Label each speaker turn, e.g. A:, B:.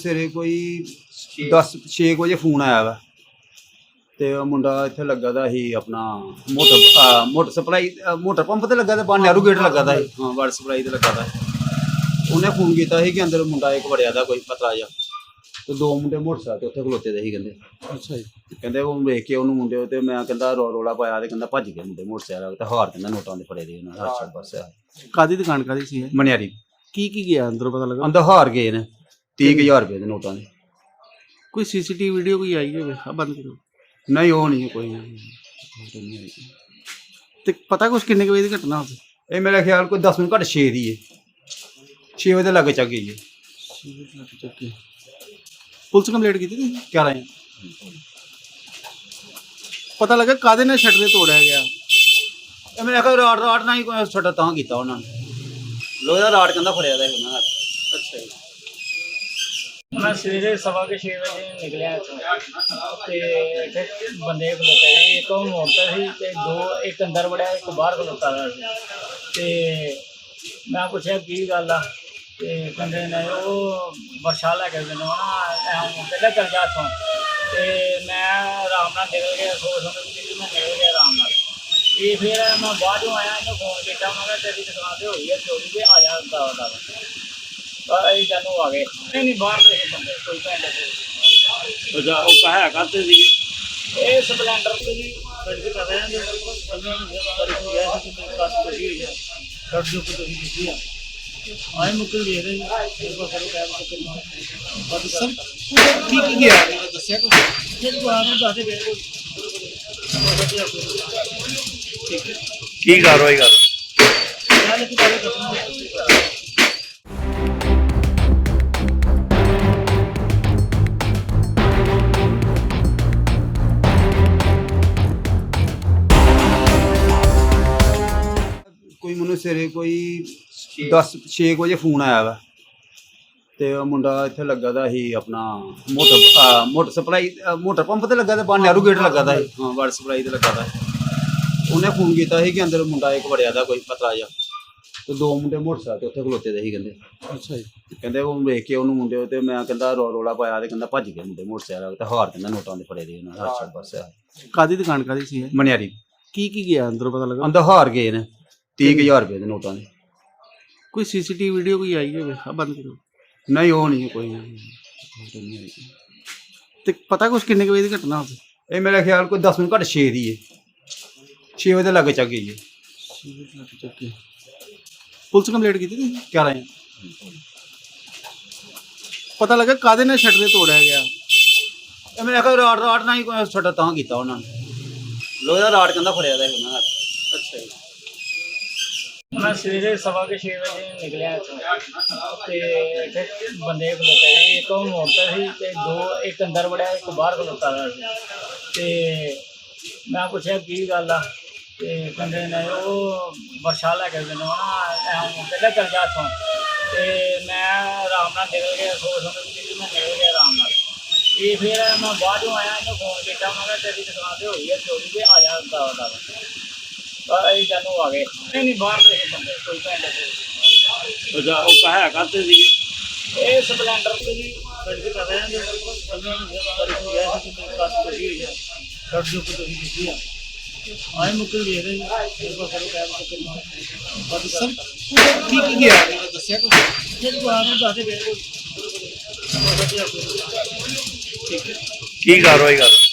A: ਸਵੇਰੇ ਕੋਈ 10-6 ਵਜੇ ਫੋਨ ਆਇਆ ਵਾ ਤੇ ਉਹ ਮੁੰਡਾ ਇੱਥੇ ਲੱਗਾ ਦਾ ਸੀ ਆਪਣਾ ਮੋਟਰ ਸਪਲਾਈ ਮੋਟਰ ਪੰਪ ਤੇ ਲੱਗਾ, ਤਾਂ ਨਹਿਰੂ ਗੇਟ ਲੱਗਾ ਦਾ ਸੀ, ਹਾਂ ਵਾਟਰ ਸਪਲਾਈ ਤੇ ਲੱਗਾ ਦਾ। ਉਹਨੇ ਫੋਨ ਕੀਤਾ ਸੀ ਕਿ ਅੰਦਰ ਮੁੰਡਾ ਇੱਕ ਵੜਿਆ ਦਾ ਕੋਈ ਪਤਲਾ ਜਿਹਾ, ਤੇ ਦੋ ਮੁੰਡੇ ਮੋਟਰਸਾਈਕਲ ਤੇ ਉੱਥੇ ਖਲੋਤੇ ਦੇ ਸੀ। ਕਹਿੰਦੇ
B: ਅੱਛਾ ਜੀ।
A: ਕਹਿੰਦੇ ਉਹ ਵੇਖ ਕੇ ਉਹਨੂੰ ਮੁੰਡੇ ਤੇ ਮੈਂ ਕਹਿੰਦਾ ਰੌਲਾ ਪਾਇਆ ਤੇ ਕਹਿੰਦਾ ਭੱਜ ਗਏ ਮੁੰਡੇ ਮੋਟਰਸਾਈਕਲ ਤੇ, ਹਾਰ ਕਹਿੰਦਾ ਨੋਟਾਂ ਦੇ ਫੜੇ ਦੇ ਉਹਨਾਂ ਹਰ ਪਾਸੇ।
B: ਕਾਦੀ ਦੁਕਾਨ ਕਾਦੀ ਸੀ?
A: ਮਨਿਆਰੀ।
B: ਕੀ ਗਿਆ ਅੰਦਰੋਂ ਪਤਾ ਲੱਗਾ?
A: ਅੰਦਰ ਹਾਰ ਗਏ ਨੇ 30,000 ਰੁਪਏ ਦੇ ਨੋਟਾਂ ਦੇ।
B: ਕੋਈ ਸੀਸੀਟੀਵੀ ਵੀਡੀਓ ਕੋਈ ਆਈ ਹੋਵੇ? ਆ ਬੰਦ ਕਰੋ।
A: ਨਹੀਂ ਉਹ ਨਹੀਂ ਕੋਈ ਨਹੀਂ ਆਈ।
B: ਤੇ ਪਤਾ ਕੁਛ ਕਿੰਨੇ ਕੁ ਵਜੇ ਦੀ ਘਟਨਾ ਹੋਵੇ?
A: ਇਹ ਮੇਰਾ ਖਿਆਲ ਕੋਈ 10 ਮਿੰਟ ਘੱਟ 6 ਦੀ ਹੈ, 6 ਵਜੇ ਦੇ ਲਾਗੇ ਚੱਕ ਗਈ ਹੈ।
B: ਪੁਲਿਸ ਕੰਪਲੇਂਟ ਕੀਤੀ ਤੁਸੀਂ?
A: ਕਿਆ ਰਹੇ
B: ਪਤਾ ਲੱਗਾ ਕਾਦੇ ਨਾਲ ਸ਼ਟਰ ਤੋੜਿਆ ਗਿਆ?
A: ਇਹ ਮੈਂ ਕਿਹਾ ਰਾਟ ਨਾਲ ਹੀ ਕੋਈ ਛੱਡਾ ਤਾਂ ਕੀਤਾ ਉਹਨਾਂ ਨੇ, ਲੋਹੇ ਦਾ ਰਾਟ ਕਹਿੰਦਾ ਫੜਿਆ ਦਾ ਉਹਨਾਂ ਦਾ।
B: ਅੱਛਾ ਜੀ।
C: मैं सवेरे 6:15 ਵਜੇ ਨਿਕਲਿਆ ਇੱਥੋਂ ਤੇ ਇੱਥੇ ਬੰਦੇ ਖਲੋਤੇ ਸੀ, ਇੱਕ ਉਹ ਮੋਟਰ ਸੀ ਤੇ ਇੱਕ ਅੰਦਰ ਵੜਿਆ, ਇੱਕ ਬਾਹਰ ਖਲੋਤਾ ਦਾ ਸੀ। ਤੇ ਮੈਂ ਪੁੱਛਿਆ ਕੀ ਗੱਲ ਆ, ਤੇ ਕਹਿੰਦੇ ਨੇ ਉਹ ਵਰਸ਼ਾ ਲੈ ਕੇ ਮੈਨੂੰ ਨਾ ਕਹਿੰਦਾ ਚੱਲ ਜਾ ਇੱਥੋਂ। ਤੇ ਮੈਂ ਆਰਾਮ ਨਾਲ ਨਿਕਲ ਗਿਆ, ਸੋਚ ਸਮਝ ਮੈਂ ਨਿਕਲ ਗਿਆ ਆਰਾਮ ਨਾਲ। ਤੇ ਫਿਰ ਮੈਂ ਬਾਅਦ ਚੋਂ ਆਇਆ, ਇਹਨੂੰ ਫੋਨ ਕੀਤਾ, ਮੈਂ ਕਿਹਾ ਤੇਰੀ ਦੁਕਾਨ ਤੇ ਹੋਈ ਹੈ ਚੋਰੀ, ਤੇ ਆ ਜਾ ਦਾ ਅਸੀਂ ਜਾਨੂੰ ਆ ਗਏ। ਨਹੀਂ ਬਾਹਰ ਦੇ ਬੰਦੇ ਕੋਈ ਪਿੰਡ ਦੇ।
B: ਅੱਛਾ, ਉਹ ਕਹਾ ਕਰਦੇ ਸੀ
C: ਇਹ ਸਪਲੈਂਡਰ ਤੇ ਜੀ
B: ਕਰਦੇ ਕਰ ਰਹੇ ਨੇ ਉਹਨਾਂ ਨੂੰ ਗਿਆ ਸੀ ਕਿ ਕਾਸ ਕੋਈ ਹੋਈ ਹੈ ਕੱਟ ਜੋ ਕੁਝ ਤੁਸੀਂ ਕੀਤੀ ਆ ਆਏ ਮੁਕਲ ਦੇ ਰਹੇ ਇੱਕ ਵਾਰ ਕਰੋ ਕੈਬ ਤੋਂ ਬਾਅਦ ਸਰ ਕੀ ਗਿਆ ਦੱਸਿਆ ਕੁਝ?
C: ਇਹ ਦੁਕਾਨ ਨੂੰ ਦੱਸ ਗਏ
B: ਕੀ ਕਾਰਵਾਈ ਕਰ
C: ਨਾਲ ਕਿ ਬਾਰੇ ਦੱਸਣਾ।
A: ਕੋਈ ਮੈਨੂੰ ਸਵੇਰੇ ਕੋਈ 10-6 ਵਜੇ ਫੋਨ ਆਇਆ ਵਾ ਤੇ ਉਹ ਮੁੰਡਾ ਇੱਥੇ ਲੱਗਾ ਦਾ ਸੀ ਆਪਣਾ ਮੋਟਰ ਸਪਲਾਈ ਮੋਟਰ ਪੰਪ ਤੇ ਲੱਗਾ, ਤਾਂ ਨਹਿਰੂ ਗੇਟ ਲੱਗਾ ਦਾ ਸੀ, ਹਾਂ ਵਾਟਰ ਸਪਲਾਈ ਤੇ ਲੱਗਾ ਦਾ। ਉਹਨੇ ਫੋਨ ਕੀਤਾ ਸੀ ਕਿ ਅੰਦਰ ਮੁੰਡਾ ਇੱਕ ਵੜਿਆ ਦਾ ਕੋਈ ਪਤਲਾ ਜਿਹਾ, ਤੇ ਦੋ ਮੁੰਡੇ ਮੋਟਰਸਾਈਕਲ ਤੇ ਉੱਥੇ ਖਲੋਤੇ ਦੇ ਸੀ। ਕਹਿੰਦੇ
B: ਅੱਛਾ ਜੀ।
A: ਕਹਿੰਦੇ ਉਹ ਵੇਖ ਕੇ ਉਹਨੂੰ ਮੁੰਡੇ ਤੇ ਮੈਂ ਕਹਿੰਦਾ ਰੌਲਾ ਪਾਇਆ ਤੇ ਕਹਿੰਦਾ ਭੱਜ ਗਏ ਮੁੰਡੇ ਮੋਟਰਸਾਈਕਲ ਤੇ, ਹਾਰ ਕਹਿੰਦਾ ਨੋਟਾਂ ਦੇ ਫੜੇ ਦੇ ਉਹਨਾਂ ਹਰ ਪਾਸੇ।
B: ਕਾਦੀ ਦੁਕਾਨ ਕਾਦੀ ਸੀ?
A: ਮਨਿਆਰੀ।
B: ਕੀ ਗਿਆ ਅੰਦਰੋਂ ਪਤਾ ਲੱਗਾ?
A: ਅੰਦਰ ਹਾਰ ਗਏ ਨੇ 30,000 ਰੁਪਏ ਦੇ ਨੋਟਾਂ ਦੇ।
B: ਕੋਈ ਸੀਸੀਟੀਵੀ ਵੀਡੀਓ ਕੋਈ ਆਈ ਹੋਵੇ? ਆ ਬੰਦ ਕਰੋ।
A: ਨਹੀਂ ਉਹ ਨਹੀਂ ਕੋਈ ਨਹੀਂ ਆਈ।
B: ਤੇ ਪਤਾ ਕੁਛ ਕਿੰਨੇ ਕੁ ਵਜੇ ਦੀ ਘਟਨਾ ਹੋਵੇ?
A: ਇਹ ਮੇਰਾ ਖਿਆਲ ਕੋਈ 10 ਮਿੰਟ ਘੱਟ 6 ਦੀ ਹੈ, 6 ਵਜੇ ਦੇ ਲਾਗੇ ਚੱਕ ਗਈ ਹੈ।
B: ਪੁਲਿਸ ਕੰਪਲੇਂਟ ਕੀਤੀ ਤੁਸੀਂ?
A: ਕਿਆ ਰਹੇ
B: ਪਤਾ ਲੱਗਾ ਕਾਦੇ ਨਾਲ ਸ਼ਟਰ ਤੋੜਿਆ ਗਿਆ?
A: ਇਹ ਮੈਂ ਕਿਹਾ ਰਾਟ ਨਾਲ ਹੀ ਕੋਈ ਛੱਡਾ ਤਾਂ ਕੀਤਾ ਉਹਨਾਂ ਨੇ, ਲੋਹੇ ਦਾ ਰਾਟ ਕਹਿੰਦਾ ਫੜਿਆ ਦਾ ਉਹਨਾਂ ਦਾ।
B: ਅੱਛਾ ਜੀ।
C: ਮੈਂ ਸਵੇਰੇ 6:15 ਵਜੇ ਨਿਕਲਿਆ ਇੱਥੋਂ ਤੇ ਇੱਥੇ ਬੰਦੇ ਖਲੋਤੇ ਸੀ, ਇੱਕ ਉਹ ਮੋਟਰ ਸੀ ਤੇ ਇੱਕ ਅੰਦਰ ਵੜਿਆ, ਇੱਕ ਬਾਹਰ ਖਲੋਤਾ ਦਾ ਸੀ। ਤੇ ਮੈਂ ਪੁੱਛਿਆ ਕੀ ਗੱਲ ਆ, ਤੇ ਕਹਿੰਦੇ ਨੇ ਉਹ ਵਰਸ਼ਾ ਲੈ ਕੇ ਮੈਨੂੰ ਕਹਿੰਦਾ ਚੱਲ ਜਾ ਇੱਥੋਂ। ਤੇ ਮੈਂ ਆਰਾਮ ਨਾਲ ਨਿਕਲ ਗਿਆ, ਸੋਚ ਸਮਝ ਮੈਂ ਨਿਕਲ ਗਿਆ ਆਰਾਮ ਨਾਲ। ਤੇ ਫਿਰ ਮੈਂ ਬਾਅਦ ਚੋਂ ਆਇਆ, ਇਹਨੂੰ ਫੋਨ ਕੀਤਾ, ਮੈਂ ਕਿਹਾ ਤੇਰੀ ਦੁਕਾਨ ਤੇ ਹੋਈ ਹੈ ਚੋਰੀ, ਤੇ ਆ ਜਾ ਦਾ ਅਸੀਂ ਜਾਨੂੰ ਆ ਗਏ। ਨਹੀਂ ਬਾਹਰ ਦੇ ਬੰਦੇ ਕੋਈ ਪਿੰਡ ਦੇ।
B: ਅੱਛਾ, ਉਹ ਕਹਾ ਕਰਦੇ ਸੀ
C: ਇਹ ਸਪਲੈਂਡਰ ਤੇ ਜੀ
B: ਕਰਦੇ ਕਰ ਰਹੇ ਨੇ ਉਹਨਾਂ ਨੂੰ ਗਿਆ ਸੀ ਕਿ ਕਾਸ ਕੋਈ ਹੋਈ ਹੈ ਕੱਟ ਜੋ ਕੁਝ ਤੁਸੀਂ ਕੀਤੀ ਆ ਆਏ ਮੁਕਲ ਦੇ ਰਹੇ ਇੱਕ ਵਾਰ ਕਰੋ ਕੈਬ ਤੋਂ ਬਾਅਦ ਸਰ ਕੀ ਗਿਆ ਦੱਸਿਆ ਕੁਝ?
C: ਇਹ ਦੁਕਾਨ ਨੂੰ ਦੱਸ ਗਏ
B: ਕੀ ਕਾਰਵਾਈ ਕਰ